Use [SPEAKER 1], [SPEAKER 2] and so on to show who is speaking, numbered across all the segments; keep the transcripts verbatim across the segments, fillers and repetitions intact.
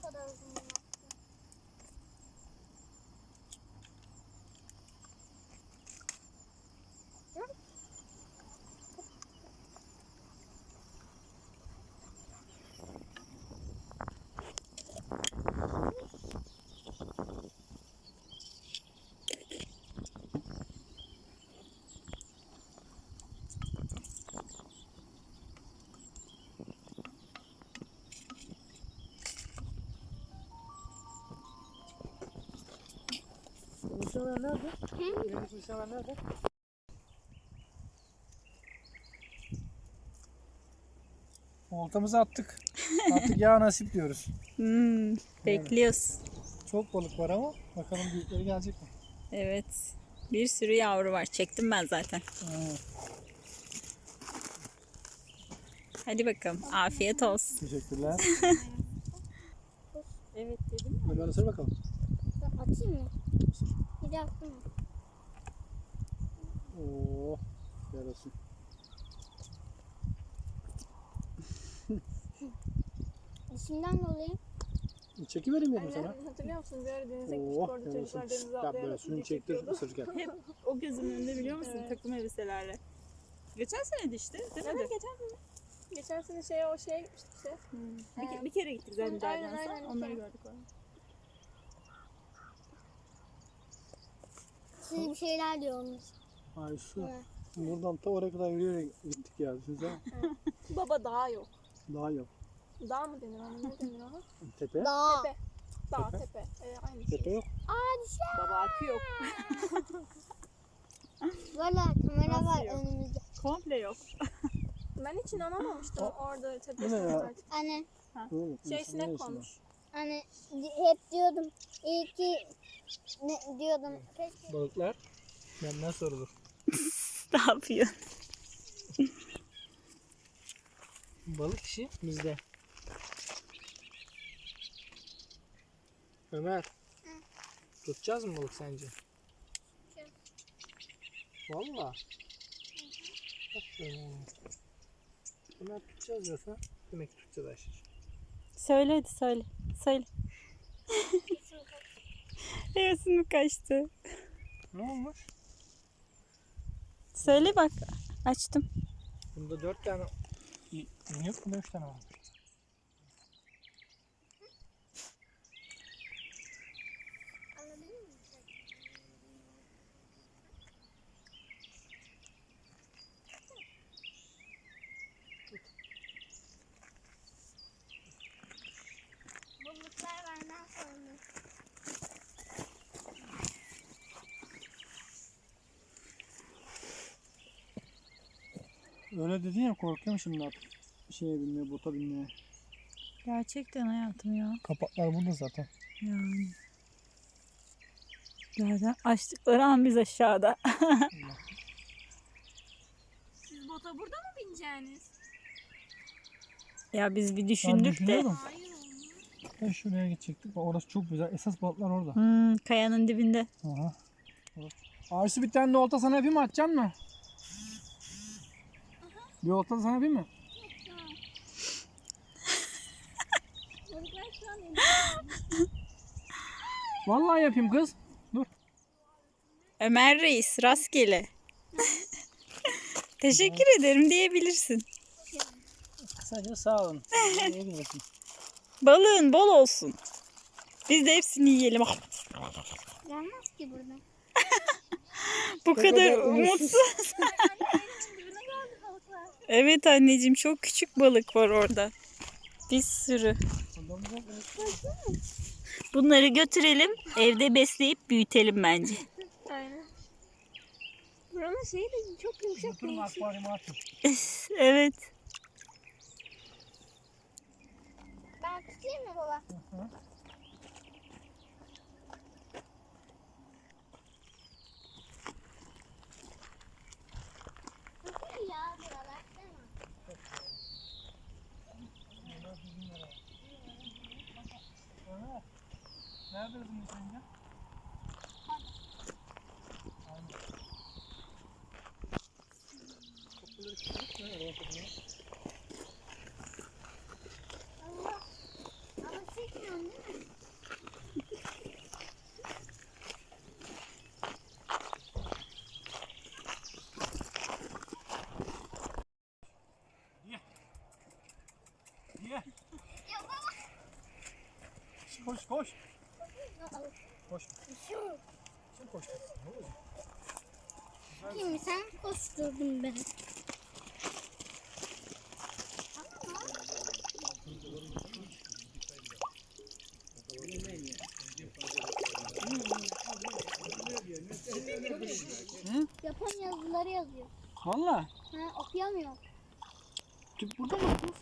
[SPEAKER 1] kadar uzun yaptı.
[SPEAKER 2] Nişanlar nerede? Hı? Nişanlar nerede? Oltamızı attık. Artık ya nasip diyoruz.
[SPEAKER 3] Hmm, bekliyoruz.
[SPEAKER 2] Çok balık var ama bakalım büyükleri gelecek mi?
[SPEAKER 3] Evet. Bir sürü yavru var. Çektim ben zaten.
[SPEAKER 2] Evet.
[SPEAKER 3] Hadi bakalım. Afiyet olsun.
[SPEAKER 2] Teşekkürler.
[SPEAKER 3] Evet dedim.
[SPEAKER 2] Ömer ısır bakalım.
[SPEAKER 1] Atayım mı? Bir de attım mı?
[SPEAKER 2] Oo, yarasın.
[SPEAKER 1] İsimden dolayı.
[SPEAKER 2] Çeki vereyim dedim sana.
[SPEAKER 4] Hatırlıyor musun? Bir ara denize gittik,
[SPEAKER 2] Oh,
[SPEAKER 4] orada
[SPEAKER 2] yarasın.
[SPEAKER 4] çocuklar denize
[SPEAKER 2] Ya
[SPEAKER 4] atlayarak
[SPEAKER 2] böyle suyunu
[SPEAKER 4] video
[SPEAKER 2] çektir
[SPEAKER 4] çekiyordu.
[SPEAKER 2] ısırırken.
[SPEAKER 3] Hep o gözümün önünde biliyor musun?
[SPEAKER 4] Evet.
[SPEAKER 3] Takım elbiselerle. Geçen sene de işte. Değil mi?
[SPEAKER 4] Evet, geçen sene. Geçen sene şeye, o şeye gitmiştik işte.
[SPEAKER 3] Hmm. Bir,
[SPEAKER 4] Evet.
[SPEAKER 3] bir kere gittik zaten
[SPEAKER 4] Evet, aynen,
[SPEAKER 3] Derden'sa.
[SPEAKER 4] aynen, bir
[SPEAKER 3] Onları
[SPEAKER 4] kere.
[SPEAKER 3] gördük orada.
[SPEAKER 1] Siz bir şeyler diyorsunuz.
[SPEAKER 2] Ay şu.
[SPEAKER 1] Evet.
[SPEAKER 2] Buradan ta oraya kadar yürüyerek gittik ya. Düşünsene.
[SPEAKER 4] Baba dağ yok.
[SPEAKER 2] Daha yok.
[SPEAKER 4] Dağ mı denir ona? Ne denir ona?
[SPEAKER 2] Tepe.
[SPEAKER 1] Dağ.
[SPEAKER 4] Tepe. Dağ,
[SPEAKER 2] Tepe.
[SPEAKER 4] tepe. Ee, aynı şey.
[SPEAKER 2] Tepe yok.
[SPEAKER 3] Baba akü yok.
[SPEAKER 1] Valla kamera
[SPEAKER 3] Nasıl
[SPEAKER 1] var
[SPEAKER 3] yok?
[SPEAKER 1] önümüzde.
[SPEAKER 3] Komple yok.
[SPEAKER 4] Ben hiç inanamamıştım orada
[SPEAKER 2] Bu ne
[SPEAKER 4] tepesinde
[SPEAKER 2] ya?
[SPEAKER 4] artık.
[SPEAKER 1] Anne,
[SPEAKER 2] Oğlum,
[SPEAKER 4] Şey
[SPEAKER 2] insan
[SPEAKER 4] sinek
[SPEAKER 2] ne
[SPEAKER 4] konmuş.
[SPEAKER 1] anne hep diyordum. İyi ki ne diyordum. Keşke
[SPEAKER 2] Balıklar benden sorulur.
[SPEAKER 3] Ne yapıyor?
[SPEAKER 2] Balık işi bizde. Ömer. Tutacağız mı balık sence? Valla. Aferin oğlum. Ömer tutacağız diyorsa demek ki tutacağız Ayşe.
[SPEAKER 3] Söyle hadi söyle. Söyle. Hevesim mi kaçtı?
[SPEAKER 2] Ne olmuş?
[SPEAKER 3] Söyle bak. Açtım.
[SPEAKER 2] Bunda dört tane yok, bunda üç tane var.
[SPEAKER 1] balıklar benden sorulur.
[SPEAKER 2] Öyle dedin ya, korkuyorum şimdi artık. Şeye binmeye, bota binmeye.
[SPEAKER 3] Gerçekten hayatım ya.
[SPEAKER 2] Kapaklar burada zaten.
[SPEAKER 3] Yani. Zaten açtıkları an biz aşağıda.
[SPEAKER 4] Siz bota burada mı bineceğiniz?
[SPEAKER 3] Ya biz bir
[SPEAKER 2] Ben
[SPEAKER 3] düşündük de.
[SPEAKER 2] düşünüyorum.
[SPEAKER 4] Hayır oğlum.
[SPEAKER 2] Ben şuraya gidecektik. Bak orası çok güzel. Esas balıklar orada.
[SPEAKER 3] Hmm, kayanın dibinde.
[SPEAKER 2] Aha. Arsu, bir tane de olta sana yapayım mı? Atacaksın mı? Bir olta da sana yapayım mı?
[SPEAKER 4] Balıklar şu an
[SPEAKER 2] Vallahi yapayım kız. Dur.
[SPEAKER 3] Ömer Reis rastgele. Teşekkür ederim diyebilirsin.
[SPEAKER 2] Kısaca sağ olun. Ne bilirsin.
[SPEAKER 3] Balığın bol olsun. Biz de hepsini yiyelim.
[SPEAKER 1] Gelmez ki buradan.
[SPEAKER 3] Bu kadar
[SPEAKER 2] kadar
[SPEAKER 3] umutsuz.
[SPEAKER 4] dibine geldi balıklar.
[SPEAKER 3] Evet anneciğim, çok küçük balık var orada. Bir sürü. Bunları götürelim, evde besleyip büyütelim bence.
[SPEAKER 4] Aynen. Buranın şeyi de çok yumuşak
[SPEAKER 2] Oturma,
[SPEAKER 4] değişik.
[SPEAKER 2] akvaryuma atın.
[SPEAKER 3] Evet.
[SPEAKER 1] Ben tutayım mı baba?
[SPEAKER 2] Hı.
[SPEAKER 1] Tutayım ya buralar değil mi?
[SPEAKER 2] Nerede bizim sence?
[SPEAKER 1] Allah. Ama çekmiyorsun değil mi?
[SPEAKER 2] Koş koş. Koş. Kim koştu? Ne oldu?
[SPEAKER 1] Kim sen koşturdun beni.
[SPEAKER 2] Hı?
[SPEAKER 1] Japon yazıları yazıyor.
[SPEAKER 2] Valla.
[SPEAKER 1] Ha, okuyamıyorum.
[SPEAKER 2] Tüp burada mı kız?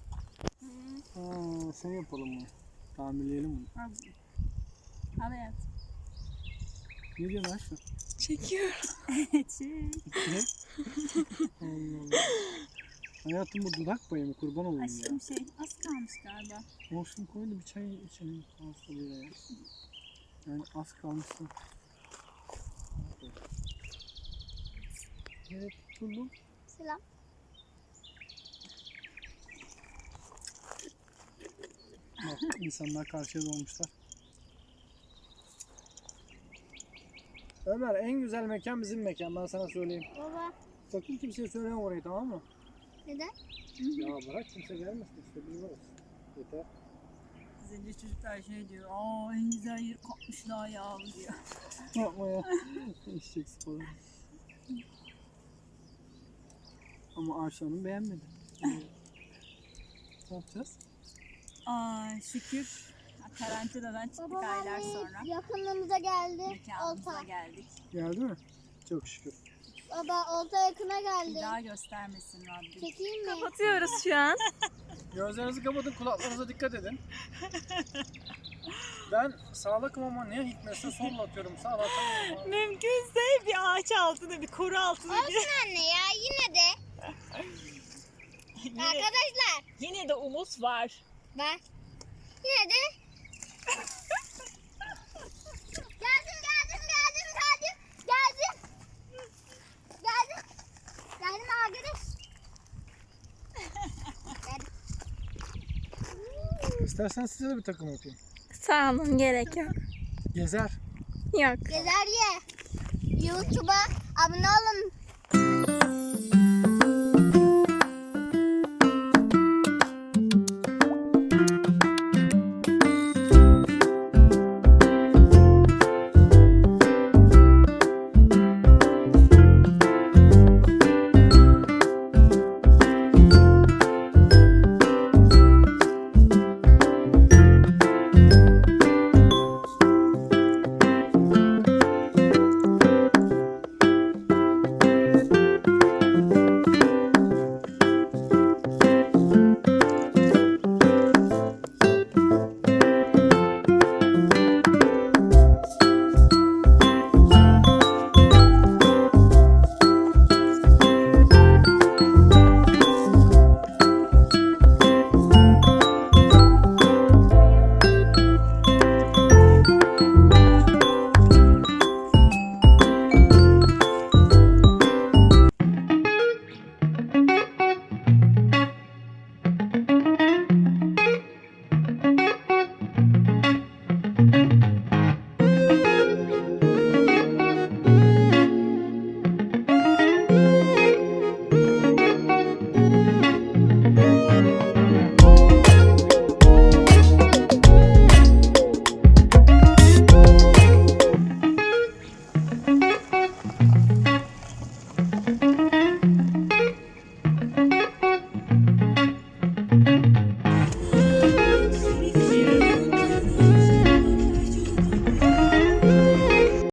[SPEAKER 2] Ha, sen yapalım bunu. Tamirleyelim bunu.
[SPEAKER 4] Al. Al hayat.
[SPEAKER 2] Ne diyorsun Ayşe?
[SPEAKER 3] Çekiyorum.
[SPEAKER 2] Ne? Allah Allah. Hayatım bu dudak payı mı? Kurban olayım ya.
[SPEAKER 4] Aşkım şey az kalmış galiba.
[SPEAKER 2] Olsun koy da bir çay içelim. Fazla bir ya. Yani az kalmışsın. Evet tutuldum.
[SPEAKER 1] Selam.
[SPEAKER 2] Bak insanlar karşıya dolmuşlar. Ömer en güzel mekan bizim mekan, ben sana söyleyeyim.
[SPEAKER 1] Baba
[SPEAKER 2] Sakın kimseye söyleme orayı, tamam mı?
[SPEAKER 1] neden?
[SPEAKER 2] Ya bırak kimse gelmesin işte, biz varız. Yeter.
[SPEAKER 4] Zenci çocuklar şey diyor. Aa en güzel yer kapmışlar ya diyor.
[SPEAKER 2] Yapma ya. Eşek sıfaları. Ama Ayşe Hanım beğenmedi. Ne yapacağız?
[SPEAKER 4] Aa şükür karantinadan çıktık
[SPEAKER 1] Baba
[SPEAKER 4] aylar
[SPEAKER 1] vallahi
[SPEAKER 4] sonra.
[SPEAKER 1] yakınlığımıza geldi.
[SPEAKER 4] Mekanımıza
[SPEAKER 1] Olta.
[SPEAKER 4] geldik.
[SPEAKER 2] Geldi mi? Çok şükür.
[SPEAKER 1] Baba olta yakına
[SPEAKER 4] Bir
[SPEAKER 1] geldi.
[SPEAKER 4] daha göstermesin Rabbim.
[SPEAKER 1] Çekeyim mi?
[SPEAKER 3] Kapatıyoruz şu an.
[SPEAKER 2] Gözlerinizi kapatın, kulaklarınıza dikkat edin. Ben sağlakım ama ne hikmetse solla atıyorum. Sağ atamıyorum.
[SPEAKER 3] Mümkünse bir ağaç altına, bir koru altına bir.
[SPEAKER 1] Olsun anne ya yine de.
[SPEAKER 3] Yine,
[SPEAKER 1] Arkadaşlar
[SPEAKER 3] yine de umut var.
[SPEAKER 1] bak. Yine de. Geldim geldim geldim geldim. Geldim. Geldim. Geldim arkadaş. Geldim.
[SPEAKER 2] İstersen size de bir takım yapayım.
[SPEAKER 3] Sağ olun, gerek yok.
[SPEAKER 2] Gezer.
[SPEAKER 3] Yok.
[SPEAKER 1] Gezer ye. YouTube'a abone olun.